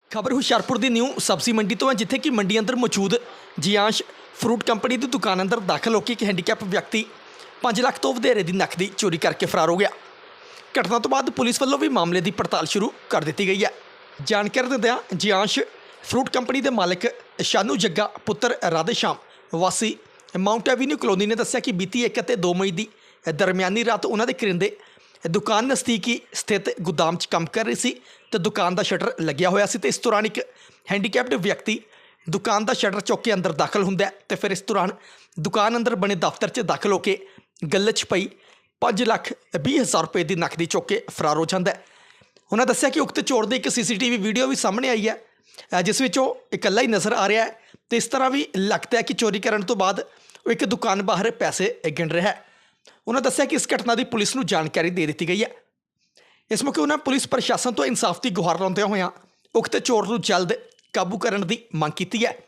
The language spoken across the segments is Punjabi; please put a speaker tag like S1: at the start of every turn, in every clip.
S1: ਖਬਰ ਹੁਸ਼ਿਆਰਪੁਰ ਦੀ ਨਿਊ ਸਬਜ਼ੀ ਮੰਡੀ ਤੋਂ ਹੈ, ਜਿੱਥੇ ਕਿ ਮੰਡੀ ਅੰਦਰ ਮੌਜੂਦ ਜਿਆਂਸ਼ ਫਰੂਟ ਕੰਪਨੀ ਦੀ ਦੁਕਾਨ ਅੰਦਰ ਦਾਖਲ ਹੋ ਕੇ ਇੱਕ ਹੈਂਡੀਕੈਪ ਵਿਅਕਤੀ 5 ਲੱਖ ਤੋਂ ਵਧੇਰੇ ਦੀ ਨਕਦੀ ਚੋਰੀ ਕਰਕੇ ਫਰਾਰ ਹੋ ਗਿਆ। ਘਟਨਾ ਤੋਂ ਬਾਅਦ ਪੁਲਿਸ ਵੱਲੋਂ ਵੀ ਮਾਮਲੇ ਦੀ ਪੜਤਾਲ ਸ਼ੁਰੂ ਕਰ ਦਿੱਤੀ ਗਈ ਹੈ। ਜਾਣਕਾਰੀ ਦਿੰਦਿਆਂ ਜਿਆਂਸ਼ ਫਰੂਟ ਕੰਪਨੀ ਦੇ ਮਾਲਕ ਸ਼ਾਨੂ ਜੱਗਾ ਪੁੱਤਰ ਰਾਧੇਸ਼ਾਮ ਵਾਸੀ ਮਾਊਂਟ ਐਵੀਨਿਊ ਕਲੋਨੀ ਨੇ ਦੱਸਿਆ ਕਿ ਬੀਤੀ 1 ਅਤੇ 2 ਮਈ ਦੀ ਦਰਮਿਆਨੀ ਰਾਤ ਉਹਨਾਂ ਦੇ ਕਰਿੰਦੇ ਦੁਕਾਨ ਨਜ਼ਦੀਕੀ ਸਥਿਤ ਗੋਦਾਮ 'ਚ ਕੰਮ ਕਰ ਰਹੀ ਸੀ ਤੇ ਦੁਕਾਨ ਦਾ ਸ਼ਟਰ ਲੱਗਿਆ ਹੋਇਆ ਸੀ ਤੇ ਇਸ ਦੌਰਾਨ ਇੱਕ ਹੈਂਡੀਕੈਪਡ ਵਿਅਕਤੀ ਦੁਕਾਨ ਦਾ ਸ਼ਟਰ ਚੁੱਕ ਕੇ ਅੰਦਰ ਦਾਖਲ ਹੁੰਦਾ ਹੈ ਤੇ ਫਿਰ ਇਸ ਦੌਰਾਨ ਦੁਕਾਨ ਅੰਦਰ ਬਣੇ ਦਫ਼ਤਰ 'ਚ ਦਾਖਲ ਹੋ ਕੇ ਗੱਲੇ 'ਚ ਪਈ 5,20,000 ਰੁਪਏ ਦੀ ਨਕਦੀ ਚੁੱਕ ਕੇ ਫਰਾਰ ਹੋ ਜਾਂਦਾ ਹੈ। ਉਹਨਾਂ ਦੱਸਿਆ ਕਿ ਉਕਤ ਚੋਰ ਦੀ ਇੱਕ CCTV ਵੀਡੀਓ ਵੀ ਸਾਹਮਣੇ ਆਈ ਹੈ, ਜਿਸ ਵਿੱਚ ਉਹ ਇਕੱਲਾ ਹੀ ਨਜ਼ਰ ਆ ਰਿਹਾ ਹੈ ਤੇ ਇਸ ਤਰ੍ਹਾਂ ਵੀ ਲੱਗਦਾ ਹੈ ਕਿ ਚੋਰੀ ਕਰਨ ਤੋਂ ਬਾਅਦ ਉਹ ਇੱਕ ਦੁਕਾਨ ਬਾਹਰ ਪੈਸੇ ਗਿਣ ਰਿਹਾ ਹੈ। ਉਹਨਾਂ ਦੱਸਿਆ ਕਿ ਇਸ ਘਟਨਾ ਦੀ ਪੁਲਿਸ ਨੂੰ ਜਾਣਕਾਰੀ ਦੇ ਦਿੱਤੀ ਗਈ ਹੈ। ਇਸ ਮੌਕੇ ਉਹਨਾਂ ਪੁਲਿਸ ਪ੍ਰਸ਼ਾਸਨ ਤੋਂ ਇਨਸਾਫ ਦੀ ਗੁਹਾਰ ਲਾਉਂਦਿਆਂ ਹੋਇਆਂ ਉਕਤ ਚੋਰ ਨੂੰ ਜਲਦ ਕਾਬੂ ਕਰਨ ਦੀ ਮੰਗ ਕੀਤੀ ਹੈ।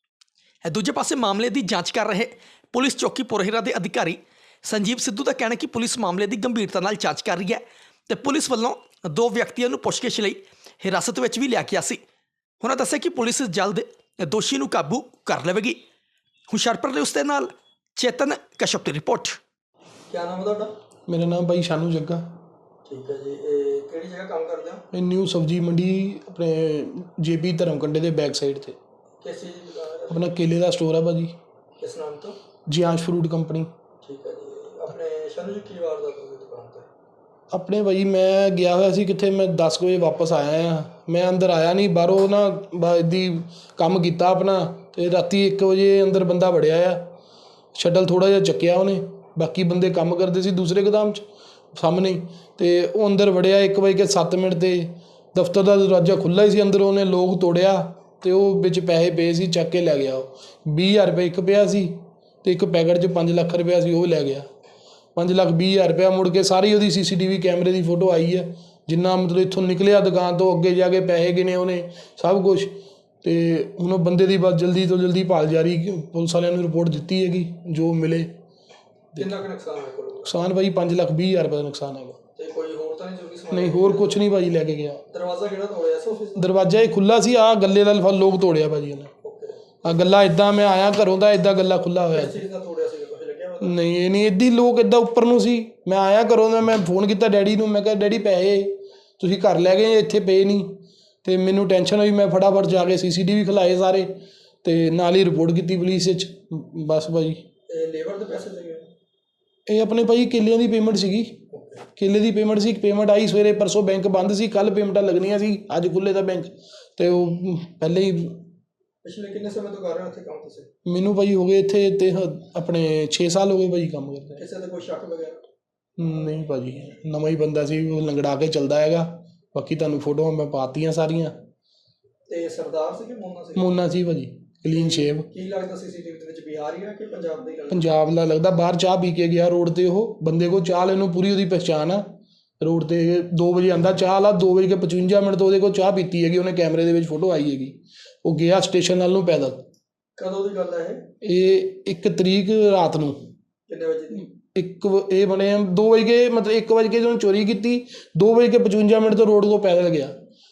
S1: ਦੂਜੇ ਪਾਸੇ ਮਾਮਲੇ ਦੀ ਜਾਂਚ ਕਰ ਰਹੇ ਪੁਲਿਸ ਚੌਕੀ ਪੁਰਹਿਰਾ ਦੇ ਅਧਿਕਾਰੀ ਸੰਜੀਵ ਸਿੱਧੂ ਦਾ ਕਹਿਣਾ ਕਿ ਪੁਲਿਸ ਮਾਮਲੇ ਦੀ ਗੰਭੀਰਤਾ ਨਾਲ ਜਾਂਚ ਕਰ ਰਹੀ ਹੈ ਤੇ ਪੁਲਿਸ ਵੱਲੋਂ 2 ਵਿਅਕਤੀਆਂ ਨੂੰ ਪੁੱਛਗਿੱਛ ਲਈ ਹਿਰਾਸਤ ਵਿੱਚ ਵੀ ਲਿਆ ਗਿਆ ਸੀ। ਉਹਨਾਂ ਦੱਸਿਆ ਕਿ ਪੁਲਿਸ ਜਲਦ ਦੋਸ਼ੀ ਨੂੰ ਕਾਬੂ ਕਰ ਲਵੇਗੀ। ਹੁਸ਼ਿਆਰਪੁਰ ਦੇ ਉਸ ਦੇ ਨਾਲ ਚੇਤਨ ਕਸ਼ਪ ਦੀ ਰਿਪੋर्ट।
S2: क्या नाम है ਤੁਹਾਡਾ?
S3: मेरा नाम भाई शानू जग्गा।
S2: ठीक है जी। ਇਹ ਕਿਹੜੀ ਜਗ੍ਹਾ ਕੰਮ ਕਰਦੇ ਹੋ?
S3: ਇਹ ਨਿਊ ਸਬਜ਼ੀ ਮੰਡੀ ਆਪਣੇ JP ਧਰਮਕੰਡੇ ਦੇ ਬੈਕ ਸਾਈਡ ਤੇ
S2: ਕਿਸ ਚੀਜ਼ ਦੀ ਦੁਕਾਨ ਹੈ?
S3: ਆਪਣਾ ਕੇਲੇ ਦਾ ਸਟੋਰ ਆ ਭਾਜੀ,
S2: ਕਿਸ ਨਾਮ ਤੋਂ?
S3: ਜਿਆਂਸ਼ ਫਰੂਟ ਕੰਪਨੀ।
S2: ਠੀਕ ਹੈ ਜੀ। ਆਪਣੇ ਸ਼ਾਨੂ ਜੀ ਕੀ ਵਾਰਦਾਤ ਹੋਈ ਦੁਕਾਨ ਤੇ?
S3: ਆਪਣੇ ਭਾਈ ਮੈਂ ਗਿਆ ਹੋਇਆ ਸੀ ਕਿੱਥੇ, ਮੈਂ 10 ਵਜੇ ਵਾਪਸ ਆਇਆ ਆ। ਮੈਂ ਅੰਦਰ ਆਇਆ ਨਹੀਂ, ਬਾਹਰੋਂ ਨਾ ਦੀ ਕੰਮ ਕੀਤਾ ਆਪਣਾ ਤੇ ਰਾਤੀ 1 ਵਜੇ ਅੰਦਰ ਬੰਦਾ ਵੜਿਆ ਆ। ਸ਼ਟਲ ਥੋੜ੍ਹਾ ਜਿਹਾ ਚੱਕਿਆ ਉਹਨੇ, ਬਾਕੀ ਬੰਦੇ ਕੰਮ ਕਰਦੇ ਸੀ ਦੂਸਰੇ ਗੋਦਾਮ 'ਚ ਸਾਹਮਣੇ, ਤੇ ਉਹ ਅੰਦਰ ਵੜਿਆ 1:07 ਤੇ ਦਫ਼ਤਰ ਦਾ ਦਰਵਾਜ਼ਾ ਖੁੱਲ੍ਹਾ ਹੀ ਸੀ। ਅੰਦਰ ਉਹਨੇ ਲੋਕ ਤੋੜਿਆ ਤੇ ਉਹ ਵਿੱਚ ਪੈਸੇ ਪਏ ਸੀ, ਚੱਕ ਕੇ ਲੈ ਗਿਆ। ਉਹ 20,000 ਰੁਪਏ ਇੱਕ ਪਿਆ ਸੀ ਤੇ ਇੱਕ ਪੈਕਟ 'ਚ 5 ਲੱਖ ਰੁਪਇਆ ਸੀ, ਉਹ ਲੈ ਗਿਆ। 5,20,000 ਰੁਪਇਆ ਮੁੜ ਕੇ ਸਾਰੀ ਉਹਦੀ CCTV ਕੈਮਰੇ ਦੀ ਫੋਟੋ ਆਈ ਹੈ, ਜਿੰਨਾ ਮਤਲਬ ਇੱਥੋਂ ਨਿਕਲਿਆ ਦੁਕਾਨ ਤੋਂ ਅੱਗੇ ਜਾ ਕੇ ਪੈਸੇ ਗਿਣੇ ਉਹਨੇ ਸਭ ਕੁਛ। ਤੇ ਹੁਣ ਉਹ ਬੰਦੇ ਦੀ ਬਸ ਜਲਦੀ ਤੋਂ ਜਲਦੀ ਭਾਲ ਜਾਰੀ, ਪੁਲਿਸ ਵਾਲਿਆਂ ਨੂੰ ਰਿਪੋਰਟ ਦਿੱਤੀ ਹੈਗੀ ਜੋ ਮਿਲੇ।
S2: ਕਿੰਨਾ ਕੁ ਨੁਕਸਾਨ ਹੋਇਆ ਕੋਲ?
S3: ਨੁਕਸਾਨ ਭਾਈ 5,20,000 ਰੁਪਏ ਦਾ ਨੁਕਸਾਨ ਹੈਗਾ।
S2: ਤੇ ਕੋਈ ਹੋਰ ਤਾਂ ਨਹੀਂ ਚੋਰੀ ਸਮਾਨ?
S3: ਨਹੀਂ, ਹੋਰ ਕੁਛ ਨਹੀਂ ਭਾਜੀ ਲੈ ਕੇ ਗਿਆ।
S2: ਦਰਵਾਜ਼ਾ ਕਿਹੜਾ ਤੋੜਿਆ ਸੀ ਆਫਿਸ ਦਾ?
S3: ਦਰਵਾਜ਼ਾ ਇਹ ਖੁੱਲ੍ਹਾ ਸੀ, ਆਹ ਗੱਲੇ ਦਾ ਲੋਕ ਤੋੜਿਆ ਭਾਜੀ ਉਹਨੇ।
S2: ਓਕੇ।
S3: ਆਹ ਗੱਲਾ ਇੱਦਾਂ ਮੈਂ ਆਇਆ ਘਰੋਂ ਦਾ, ਇੱਦਾਂ ਗੱਲਾ ਖੁੱਲ੍ਹਾ ਹੋਇਆ
S2: ਕਿਸ ਚੀਜ਼ ਦਾ ਤੋੜਿਆ ਸੀ? ਕੁਝ ਲੱਗਿਆ ਪਤਾ?
S3: ਨਹੀਂ, ਇਹ ਨਹੀਂ, ਇੱਦਾਂ ਲੋਕ ਇੱਦਾਂ ਉੱਪਰ ਨੂੰ ਸੀ। ਮੈਂ ਆਇਆ ਘਰੋਂ ਦਾ, ਮੈਂ ਫੋਨ ਕੀਤਾ ਡੈਡੀ ਨੂੰ, ਮੈਂ ਕਿਹਾ ਡੈਡੀ ਪੈਸੇ ਤੁਸੀਂ ਘਰ ਲੈ ਗਏ, ਇੱਥੇ ਪਏ ਨਹੀਂ। ਤੇ ਮੈਨੂੰ ਟੈਨਸ਼ਨ ਹੋਈ, ਮੈਂ ਫਟਾਫਟ ਜਾ ਕੇ CCTV ਖਿਲਾਏ ਸਾਰੇ ਤੇ ਨਾਲ ਹੀ ਰਿਪੋਰਟ ਕੀਤੀ ਪੁਲਿਸ ਵਿੱਚ। ਬਸ ਭਾਜੀ।
S2: ਤੇ ਲੇਬਰ ਦੇ ਪੈਸੇ ਦੇ ਗਏ?
S3: ਇਹ ਆਪਣੇ ਭਾਈ ਕੇਲਿਆਂ ਦੀ ਪੇਮੈਂਟ ਸੀਗੀ, ਕੇਲੇ ਦੀ ਪੇਮੈਂਟ ਸੀ। ਪੇਮੈਂਟ ਆਈ ਸਵੇਰੇ, ਪਰਸੋਂ ਬੈਂਕ ਬੰਦ ਸੀ, ਕੱਲ੍ਹ ਪੇਮੈਂਟਾਂ ਲੱਗਣੀਆਂ ਸੀ, ਅੱਜ ਖੁੱਲ੍ਹੇ ਦਾ ਬੈਂਕ। ਤੇ ਉਹ ਪਹਿਲੇ ਹੀ
S2: ਪਿਛਲੇ ਕਿੰਨੇ ਸਮੇਂ ਤੋਂ ਕਰ ਰਹੇ ਹੋ ਇੱਥੇ ਕੰਮ ਤੁਸੀਂ?
S3: ਮੈਨੂੰ ਭਾਈ ਹੋ ਗਏ ਇੱਥੇ ਤੇ ਆਪਣੇ 6 ਸਾਲ ਹੋ ਗਏ ਭਾਈ ਕੰਮ ਕਰਦੇ।
S2: ਕਿਸੇ ਦਾ ਕੋਈ ਸ਼ੱਕ ਵਗੈਰਾ?
S3: ਨਹੀਂ ਭਾਜੀ, ਨਵਾਂ ਹੀ ਬੰਦਾ ਸੀ, ਉਹ ਲੰਗੜਾ ਕੇ ਚੱਲਦਾ ਹੈਗਾ। ਬਾਕੀ ਤੁਹਾਨੂੰ ਫੋਟੋਆਂ ਮੈਂ ਪਾਤੀਆਂ ਸਾਰੀਆਂ।
S2: ਤੇ ਸਰਦਾਰ ਸੀ ਕਿ ਮੋਨਾ ਸੀ?
S3: ਮੋਨਾ ਸੀ ਭਾਜੀ, ਕਲੀਨ ਸ਼ੇਵ।
S2: ਕੀ ਲੱਗਦਾ CCTV ਦੇ ਵਿੱਚ ਬਿਹਾਰੀ ਹੈ ਕਿ ਪੰਜਾਬ ਦੀ ਗੱਲ?
S3: ਪੰਜਾਬ ਦਾ ਲੱਗਦਾ। ਬਾਹਰ ਚਾਹ ਪੀ ਕੇ ਗਿਆ ਰੋਡ ਤੇ, ਉਹ ਬੰਦੇ ਕੋਲ ਚਾਹ ਲੈਣ ਨੂੰ ਪੂਰੀ ਉਹਦੀ ਪਹਿਚਾਣ ਆ। ਰੋਡ ਤੇ 2 ਵਜੇ ਆਉਂਦਾ ਚਾਹ ਵਾਲਾ, 2:55 ਤੋਂ ਉਹਦੇ ਕੋਲ ਚਾਹ ਪੀਤੀ ਹੈਗੀ ਉਹਨੇ, ਕੈਮਰੇ ਦੇ ਵਿੱਚ ਫੋਟੋ ਆਈ ਹੈਗੀ। ਉਹ ਗਿਆ ਸਟੇਸ਼ਨ ਵੱਲ ਨੂੰ ਪੈਦਲ।
S2: ਕਦੋਂ ਦੀ ਗੱਲ ਹੈ ਇਹ?
S3: ਇਹ 1 ਤਰੀਕ ਰਾਤ ਨੂੰ।
S2: ਕਿੰਨੇ ਵਜੇ ਦੀ?
S3: ਇਹ ਬਣੇ 2 ਵਜੇ, ਮਤਲਬ 1 ਵਜੇ ਜਦੋਂ ਚੋਰੀ ਕੀਤੀ, 2:55 ਤੋਂ ਰੋਡ ਤੋਂ ਪੈਦਲ ਗਿਆ।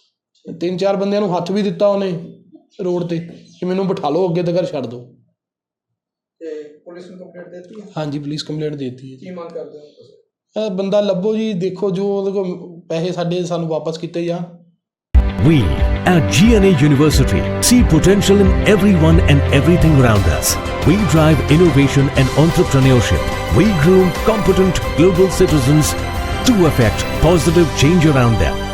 S3: 3-4 ਬੰਦਿਆਂ ਨੂੰ ਹੱਥ ਵੀ ਦਿੱਤਾ ਉਹਨੇ ਰੋਡ ਤੇ ਕਿ ਮੈਨੂੰ ਬਿਠਾ ਲਓ, ਅੱਗੇ ਤੱਕ ਛੱਡ ਦਿਓ।
S2: ਤੇ ਪੁਲਿਸ ਨੂੰ ਕੰਪਲੇਂਟ ਦੇ ਦਿੱਤੀ ਹੈ?
S3: ਹਾਂਜੀ, ਪੁਲਿਸ ਕੰਪਲੇਂਟ ਦੇ ਦਿੱਤੀ ਹੈ।
S2: ਕੀ ਮੰਗ ਕਰਦੇ ਹੋ ਤੁਸੀਂ?
S3: ਇਹ ਬੰਦਾ ਲੱਭੋ ਜੀ, ਦੇਖੋ ਜੋ ਉਹਦੇ ਕੋਲ ਪੈਸੇ ਸਾਡੇ ਸਾਨੂੰ ਵਾਪਸ ਕੀਤੇ ਜਾਣ।
S4: We at GNA University see potential in everyone and everything around us. We drive innovation and entrepreneurship. We groom competent global citizens to affect positive change around them.